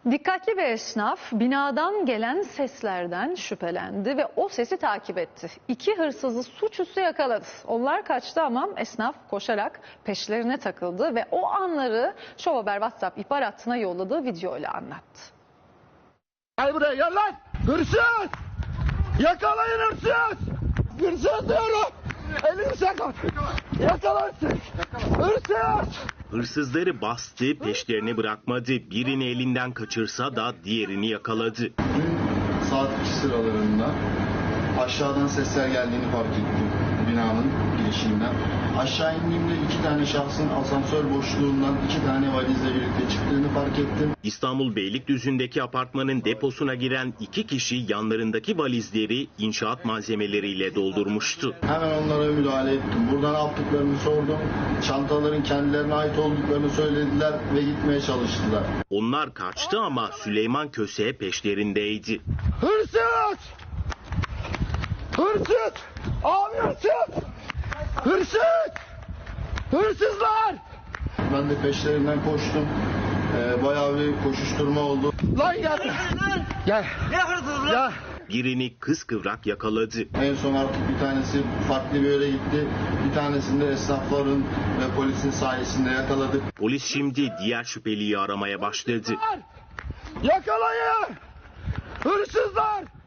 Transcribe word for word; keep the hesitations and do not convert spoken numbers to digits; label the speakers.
Speaker 1: Dikkatli bir esnaf binadan gelen seslerden şüphelendi ve o sesi takip etti. İki hırsızı suçüstü yakaladı. Onlar kaçtı ama esnaf koşarak peşlerine takıldı ve o anları Şov Haber WhatsApp ihbar hattına yolladığı videoyla anlattı.
Speaker 2: Gel buraya, gel lan! Hırsız! Yakalayın hırsız! Hırsız diyorum! Elini sakın! Yakalansın! Hırsız!
Speaker 3: Hırsızları bastı, peşlerini bırakmadı. Birini elinden kaçırsa da diğerini yakaladı.
Speaker 4: Dün saat iki sıralarında aşağıdan sesler geldiğini fark ettim binanın girişinden. Aşağı indiğimde iki tane şahsın asansör boşluğundan iki tane valizle birlikte çıktığını fark ettim.
Speaker 3: İstanbul Beylikdüzü'ndeki apartmanın deposuna giren iki kişi yanlarındaki valizleri inşaat malzemeleriyle doldurmuştu.
Speaker 4: Hemen onlara müdahale ettim. Buradan aldıklarını sordum. Çantaların kendilerine ait olduklarını söylediler ve gitmeye çalıştılar.
Speaker 3: Onlar kaçtı ama Süleyman Köse peşlerindeydi.
Speaker 2: Hırsız! Hırsız! Abi hırsız! Hırsız! Hırsızlar!
Speaker 4: Ben de peşlerinden koştum. Ee, bayağı bir koşuşturma oldu.
Speaker 2: Lan gel! Gel! Gel!
Speaker 3: Birini kıskıvrak yakaladı.
Speaker 4: En son artık bir tanesi farklı bir yere gitti. Bir tanesini de esnafların ve polisin sayesinde yakaladık.
Speaker 3: Polis şimdi diğer şüpheliyi aramaya başladı.
Speaker 2: Yakalayın! Hırsızlar!